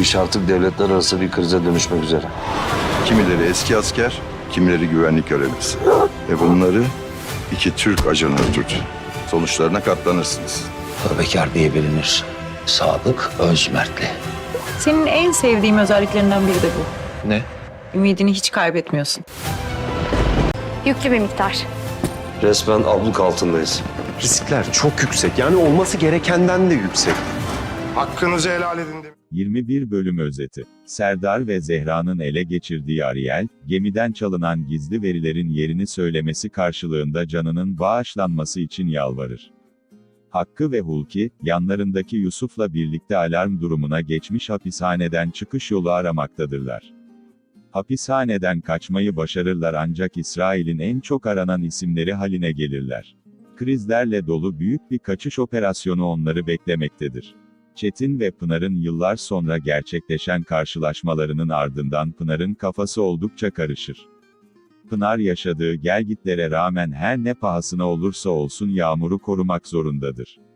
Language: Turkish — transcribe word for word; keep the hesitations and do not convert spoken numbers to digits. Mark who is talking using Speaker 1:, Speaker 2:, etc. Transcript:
Speaker 1: iş artık devletler arası bir krize dönüşmek üzere.
Speaker 2: Kimileri eski asker, kimileri güvenlik görevlisi. Ve bunları iki Türk ajanı öldürdü. Sonuçlarına katlanırsınız.
Speaker 3: Bekar diye bilinir. Sadık Özmertli.
Speaker 4: Senin en sevdiğim özelliklerinden biri de bu.
Speaker 3: Ne?
Speaker 4: Ümidini hiç kaybetmiyorsun.
Speaker 5: Yüklü bir miktar.
Speaker 1: Resmen abluk altındayız.
Speaker 6: Riskler çok yüksek. Yani olması gerekenden de yüksek.
Speaker 7: Hakkınızı helal edin demiş.
Speaker 8: yirmi bir bölüm özeti. Serdar ve Zehra'nın ele geçirdiği Ariel, gemiden çalınan gizli verilerin yerini söylemesi karşılığında canının bağışlanması için yalvarır. Hakkı ve Hulki, yanlarındaki Yusuf'la birlikte alarm durumuna geçmiş hapishaneden çıkış yolu aramaktadırlar. Hapishaneden kaçmayı başarırlar ancak İsrail'in en çok aranan isimleri haline gelirler. Krizlerle dolu büyük bir kaçış operasyonu onları beklemektedir. Çetin ve Pınar'ın yıllar sonra gerçekleşen karşılaşmalarının ardından Pınar'ın kafası oldukça karışır. Pınar yaşadığı gelgitlere rağmen her ne pahasına olursa olsun Yağmur'u korumak zorundadır.